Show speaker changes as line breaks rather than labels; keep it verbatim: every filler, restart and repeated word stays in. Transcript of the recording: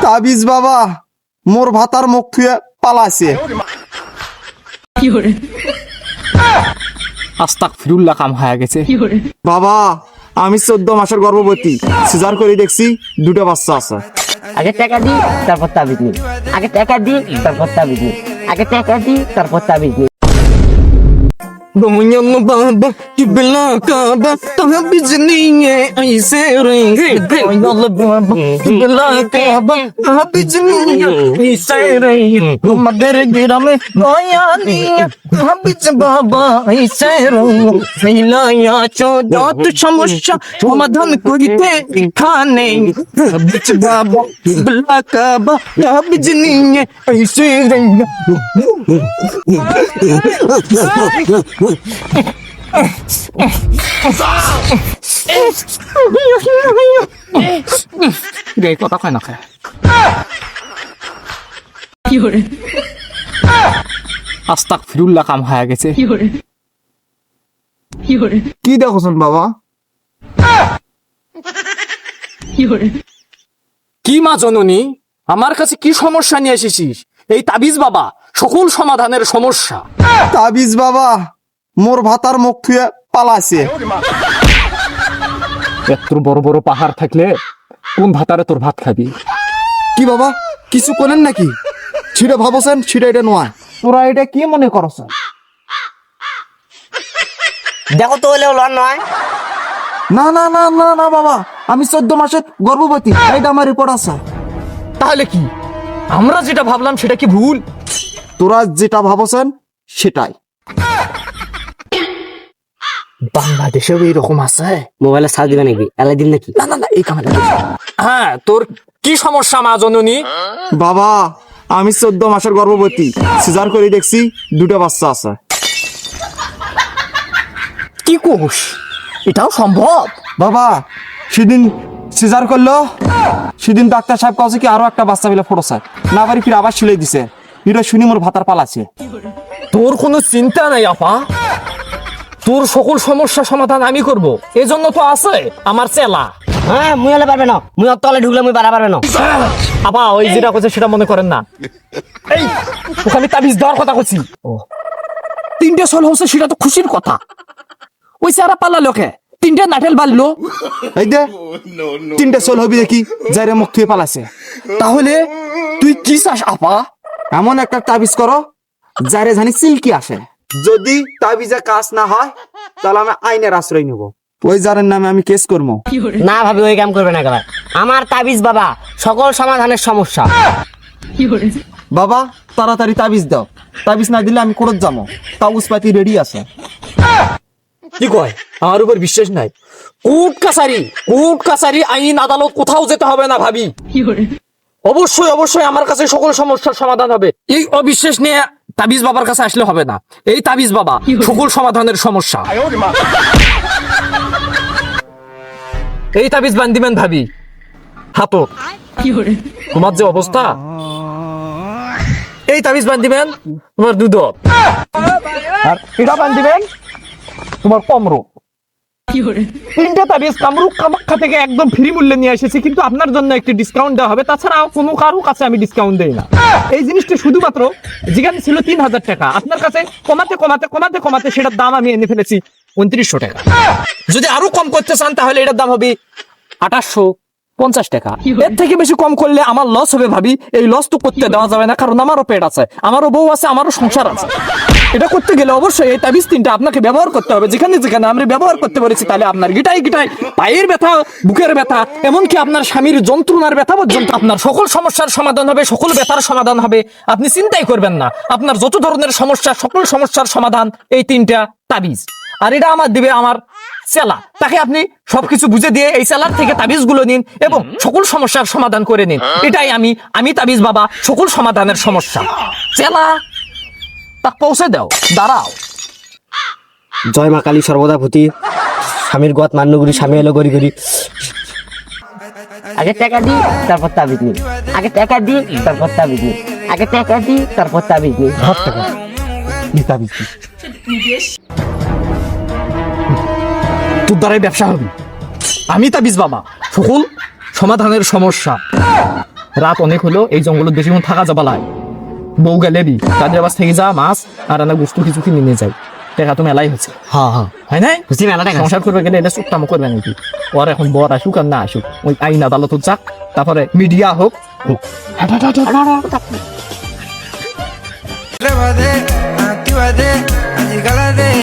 তাবিজ বাবা মোর ভাতার মুখ থুয়ে পালাছে।
আস্তাগফিরুল্লাহ, কাম হয়ে গেছে।
বাবা আমি চোদ্দ মাসের গর্ভবতী, সিজার করে দেখছি দুটো বাচ্চা আছে।
আগে টাকা দি তারপর তাবিজ নি, আগে টাকা দি তারপর তাবিজ নি, আগে টাকা দি তারপর তাবিজ নি।
Domingo baba, que bela caba, tava bizininha, aí serenge. Domingo baba, que bela caba, tava bizininha, aí serenge. Uma derreira me, noia ninha, tava biz baba, aí serenge. Filaya choda tu samusha, সমাধান করিতে এখানে। Biz baba, que bela caba, tava bizininha, aí serenge. গে কথা কয় না খায়। আস্তাগফিরুল্লাহ, কাম হয়ে গেছে।
কি দেখোছেন বাবা?
কি মা জননী, আমার কাছে কি সমস্যা নিয়ে এসেছিস? এই তাবিজ বাবা সকল সমাধানের সমস্যা।
তাবিজ বাবা মোর ভাতার মুখ থুয়ে পালাছে।
এত বড় বড় পাহাড় থাকলে কোন ভাতারে তোর ভাত খাবি?
কি বাবা কিছু করেন নাকি? ছিড়ে ভাবছেন ছিড়ে এটা নয়, তোরা এটা কি মনে করছ?
দেখো তো হলেও লন নয়।
না না না না না বাবা, আমি চোদ্দ মাসের গর্ভবতী, এইটা আমার রিপোর্ট আছে।
তাহলে কি আমরা যেটা ভাবলাম সেটা কি ভুল?
তোরা যেটা ভাবছেন সেটাই।
বাংলাদেশেও এইরকম আছে?
মোবাইলে সার্চ দিবে নাকি, এলাই দিন নাকি?
না না না, এই কামে হ্যাঁ, তোর কি সমস্যা মা জননী?
বাবা আমি চোদ্দ মাসের গর্ভবতী, সিজার করে দেখছি দুটো বাচ্চা আছে।
কি কোষ, এটাও সম্ভব?
বাবা সেদিন সিজার করলো, সেদিন ডাক্তার সাহেব কাছে কি আরো একটা বাচ্চা মিলে ফোটছে, না পারি ফির আবার সিলাই দিছে। এটা শুনি মোর ভাতার পালাছে।
তোর কোনো চিন্তা নাই আপা, তোর সকল সমস্যা সমাধান আমি করব। এজন্য তো আছে আমার চেলা।
হ্যাঁ মুই হলে পারবে না, মুই অত তলে ঢুকলে মুই বাড়া পারবে না।
আপা ওই যেটা করছে সেটা মনে করেন না। এই ওখানে তাবিজ দেওয়ার কথা করছি। ও তিনটে সোল হচ্ছে সেটা তো খুশির কথা। ওই সারা পালা লোকে তিনটে নাটেল বাড়লো।
এই দে তিনটে সোল হবি দেখি যাইরে মুখ থুয়ে পালাছে।
তাহলে তুই কি চাস আপা?
এমন একটা তাবিজ করো যারে জানি সিল্কি আসে। যদি তাবিজে কাজ না হয় তাহলে আমি আইনের আশ্রয় নেব, ওই জারের নামে আমি কেস করবো।
না ভাবি ওই কাম করবে না একেবারে। আমার তাবিজ বাবা সকল সমাধানের সমস্যা।
বাবা তাড়াতাড়ি তাবিজ দাও, তাবিজ না দিলে আমি কোর্ট যাবো, তাবিজ পাতি রেডি আছে।
কি কয় আমার উপর বিশ্বাস নাই? কোর্ট কাছারি, কোর্ট কাছারি, আইন আদালত কোথাও যেতে হবে না ভাবি। অবশ্যই অবশ্যই আমার কাছে সকল সমস্যার সমাধান হবে। এই অবিশ্বাস নিয়ে তাবিজ বাবার কাছে আসলে হবে না। এই তাবিজ বাবা সকল সমাধানের সমস্যা। এই তাবিজ বান্দিবেন ভাবি হাতো, তোমার যে অবস্থা, এই তাবিজ বান্দিবেন তোমার দুধ, আর এটা বান্দিবেন তোমার কমরো। তিনটা তাবিজ কামরূপ কামাখ্যা থেকে একদম ফ্রি মূল্যে নিয়ে এসেছি, কিন্তু আপনার জন্য একটি ডিসকাউন্ট দেওয়া হবে। তাছাড়া কোনো কারো কাছে আমি ডিসকাউন্ট দেই না। এই জিনিসটা শুধুমাত্র যেখানে ছিল তিন হাজার টাকা, আপনার কাছে কমাতে কমাতে কমাতে কমাতে সেটার দাম আমি এনে ফেলেছি উনত্রিশশো টাকা। যদি আরো কম করতে চান তাহলে এটার দাম হবে আঠাশশো পঞ্চাশ টাকা। এর থেকে বেশি কম করলে আমার লস হবে ভাবি। এই লস তো করতে দেওয়া যাবে না, কারণ আমারও পেট আছে, আমারও বউ আছে, আমারও সংসার আছে। এটা করতে গেলে অবশ্যই এই তাবিজ তিনটা আপনাকে ব্যবহার করতে হবে। যেখানে যেখানে আমরা ব্যবহার করতে পেরেছি, তাহলে আপনার গিটাই গিটাই পায়ের ব্যথা, বুকের ব্যথা, এমনকি আপনার স্বামীর যন্ত্রণার ব্যথা পর্যন্ত আপনার সকল সমস্যার সমাধান হবে, সকল ব্যথার সমাধান হবে। আপনি চিন্তাই করবেন না, আপনার যত ধরনের সমস্যা সকল সমস্যার সমাধান এই তিনটা তাবিজ। আর এটা আমার দিবে আমার চেলা, তাকে আপনি সবকিছু বুঝে দিয়ে এই চেলার থেকে তাবিজ গুলো নিন এবং সকল সমস্যার সমাধান করে নিন। এটাই আমি আমি তাবিজ বাবা সকল সমাধানের সমস্যা। চেলা তা পৌঁছে দাও, দাঁড়াও।
জয় মা কালী সর্বদা ভূতি, স্বামীর গত মান্যগুড়ি, স্বামী এলো গড়ি গড়ি। আগে টাকা দি তারপর তাবিজ নি, আগে টাকা দি তারপর তাবিজ নি, আগে টাকা দি তারপর তাবিজ নি।
হাত টাকা নি তাবিজ দি।
তোর দ্বারাই ব্যবসা হবে। আমি তাবিজ বাবা সকল সমাধানের সমস্যা। রাত অনেক হলো, এই জঙ্গলের বেশি কোন থাকা যাবা লাই। বউ গেলে দি তাদের আবার থেকে যা মাছ আর রান্না বস্তু কিছু কিনে নিয়ে যাই। টাকা তো মেলাই হচ্ছে,
হ্যাঁ হ্যাঁ
হয় নাই?
বুঝছি মেলা টাকা
সংসার করবে গেলে এটা চুক্তামো করবে নাকি? ওর এখন বর আসুক আর না আসুক, ওই আইন আদালত যাক, তারপরে মিডিয়া হোক হোক।
Llévate, actívate, acicálate.